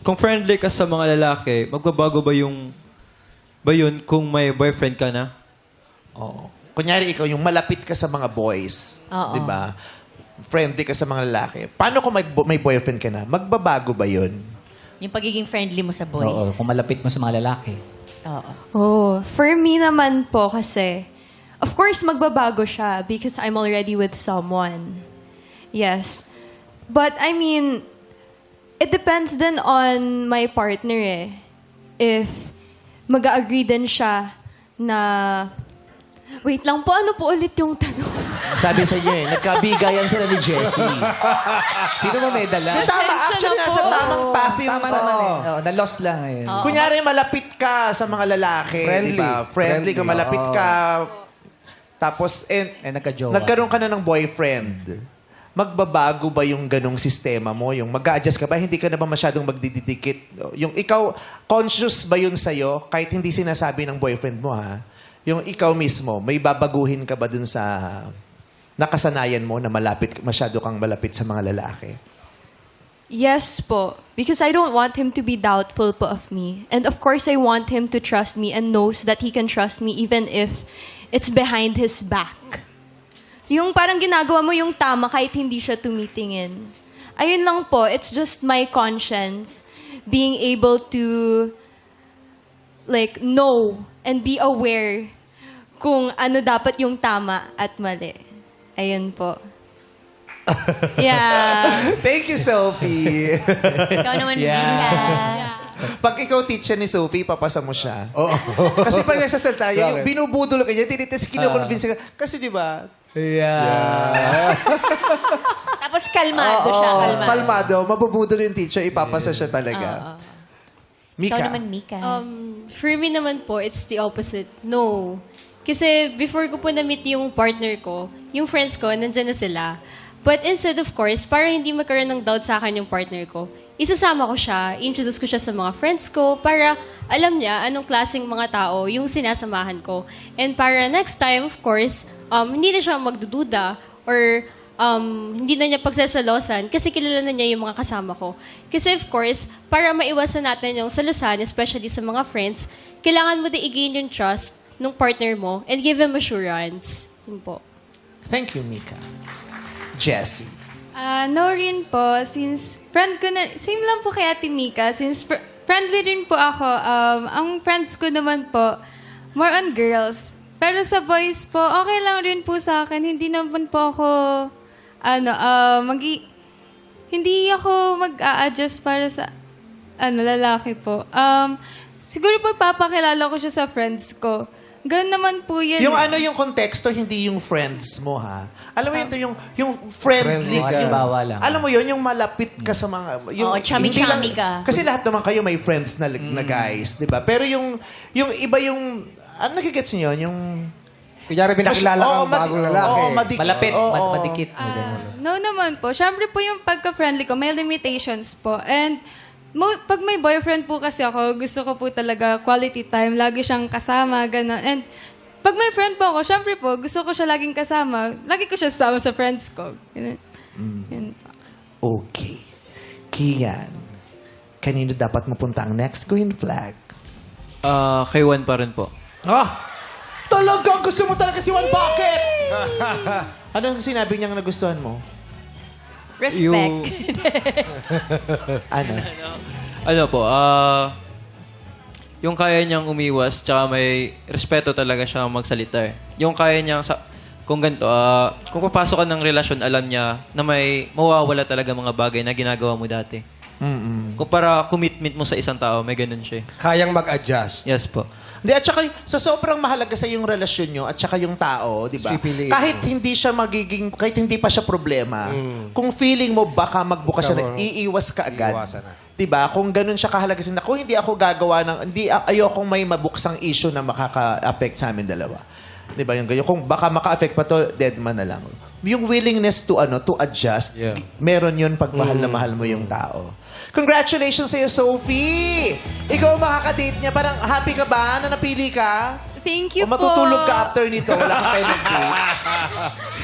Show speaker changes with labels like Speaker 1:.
Speaker 1: kung friendly ka sa mga lalaki, magbabago ba yun kung may boyfriend ka na?
Speaker 2: Oo. Kunyari, ikaw yung malapit ka sa mga boys.
Speaker 3: Oo.
Speaker 2: Di ba? Friendly ka sa mga lalaki. Paano kung may boyfriend ka na? Magbabago ba yun?
Speaker 3: Yung pagiging friendly mo sa boys.
Speaker 4: Oo, kung malapit mo sa mga lalaki.
Speaker 3: Oo.
Speaker 5: Oh, for me naman po kasi, of course, magbabago siya because I'm already with someone. Yes. But I mean, it depends din on my partner eh. If mag-agree din siya na... Wait lang po, ano po ulit yung tanong?
Speaker 2: Sabi sa inyo nagkabigayan sila ni Jessie.
Speaker 4: Sino mo may dala?
Speaker 2: Tama, actually,
Speaker 5: na
Speaker 2: nasa
Speaker 5: po.
Speaker 2: tamang path yung...
Speaker 4: Tama naman eh. Oo, na-lost lang eh.
Speaker 2: Kunyari, malapit ka sa mga lalaki.
Speaker 6: Friendly.
Speaker 2: Di ba? Friendly ka, malapit ka. Tapos,
Speaker 4: nagka-jowa.
Speaker 2: nagkaroon ka na ng boyfriend. Magbabago ba yung ganong sistema mo? Yung mag-a-adjust ka ba? Hindi ka na ba masyadong magdidikit? Yung ikaw, conscious ba yun sa'yo? Kahit hindi sinasabi ng boyfriend mo, ha? Yung ikaw mismo, may babaguhin ka ba dun sa nakasanayan mo na masyado kang malapit sa mga lalaki?
Speaker 5: Yes po. Because I don't want him to be doubtful po of me. And of course, I want him to trust me and knows that he can trust me even if it's behind his back. Yung parang ginagawa mo yung tama kahit hindi siya tumitingin. Ayun lang po, it's just my conscience being able to like know and be aware kung ano dapat yung tama at mali. Ayun po. Yeah.
Speaker 2: Thank you, Sophie.
Speaker 3: Ikaw naman, Mika.
Speaker 2: Pag ikaw teacher ni Sophie, papasa mo siya. Kasi pag nagsasalta tayo, yung binubudol ka niya, tinitis, kinukonvince ka. Kasi di ba?
Speaker 4: Yeah.
Speaker 3: Tapos kalmado siya, kalmado.
Speaker 2: Kalmado. Mabubudol yung teacher, ipapasa siya talaga. Mika.
Speaker 3: Ikaw naman, Mika.
Speaker 7: For me naman po, it's the opposite. No. Kasi before ko po na-meet yung partner ko, yung friends ko, nandyan na sila. But instead, of course, para hindi magkaroon ng doubt sa akin yung partner ko, isasama ko siya, introduce ko siya sa mga friends ko para alam niya anong klaseng mga tao yung sinasamahan ko. And para next time, of course, hindi na siya magdududa or hindi na niya pagsasalosan kasi kilala na niya yung mga kasama ko. Kasi of course, para maiwasan natin yung salusan, especially sa mga friends, kailangan mo din i-gain yung trust ng partner mo and give him assurance. Yun po.
Speaker 2: Thank you, Mika. Jessie.
Speaker 8: No rin po, since friend ko na, same lang po kay Ate Mika, since friendly rin po ako, ang friends ko naman po, more on girls. Pero sa boys po, okay lang rin po sa akin, hindi naman po ako, hindi ako mag-a-adjust para sa, lalaki po. Siguro po papakilala ko siya sa friends ko. Ganun naman po yan.
Speaker 2: Yung konteksto, hindi yung friends mo, ha? Alam mo yung friendly ka.
Speaker 4: Halimbawa lang.
Speaker 2: Alam mo yun, yung malapit ka sa mga... Yung,
Speaker 3: Oo, chummy-chummy
Speaker 2: hindi lang-
Speaker 3: ka.
Speaker 2: Kasi lahat naman kayo may friends na guys, di ba? Pero yung iba yung... Ano nagigets niyo? Yung...
Speaker 6: Kunyari, pinakilala
Speaker 2: Oo,
Speaker 6: kang bagong lalaki.
Speaker 2: Oo, madikit.
Speaker 4: Malapit,
Speaker 2: Oo.
Speaker 4: madikit.
Speaker 8: No naman po. Siyempre po yung pagka-friendly ko, may limitations po. And pag may boyfriend po kasi ako, gusto ko po talaga quality time. Lagi siyang kasama, gano'n. And pag may friend po ako, siyempre po, gusto ko siya laging kasama. Lagi ko siya kasama sa friends ko. Ganun. Yun po.
Speaker 2: Okay. Kian, kanino dapat mapunta ang next green flag?
Speaker 1: Kay Juan pa rin po.
Speaker 2: Talaga? Gusto mo talaga si Juan? Bakit? Anong sinabi niyang nagustuhan mo?
Speaker 3: Respect.
Speaker 2: Ano?
Speaker 1: Yung kaya niyang umiwas, tsaka may respeto talaga siya magsalita eh. Yung kaya niyang, kung ganito, kung papasok ka ng relasyon, alam niya na may mawawala talaga mga bagay na ginagawa mo dati. Kung para commitment mo sa isang tao, may ganun siya.
Speaker 6: Kayang mag-adjust.
Speaker 1: Yes po.
Speaker 2: Hindi, at saka sa sobrang mahalaga sa yung relasyon nyo at saka yung tao, di ba?
Speaker 6: Pipiliin
Speaker 2: Kahit
Speaker 6: mo.
Speaker 2: kahit hindi pa siya problema, kung feeling mo baka magbukas siya,
Speaker 6: Ikaw,
Speaker 2: iiwas ka agad.
Speaker 6: iiwasan na.
Speaker 2: Di ba? Kung ganun siya kahalaga sa kung hindi ako gagawa ayokong may mabuksang issue na makaka-affect sa amin dalawa. Di ba? Yung ganyan. Kung baka maka-affect pa to, dead man na lang. Yung willingness to adjust, meron yun pag mahal na mahal mo yung tao. Congratulations sa'yo, Sophie! Ikaw ang makaka-date niya. Parang happy ka ba na napili ka?
Speaker 8: Thank you
Speaker 2: O
Speaker 8: po.
Speaker 2: matutulog ka after nito. Wala kang time mag-date.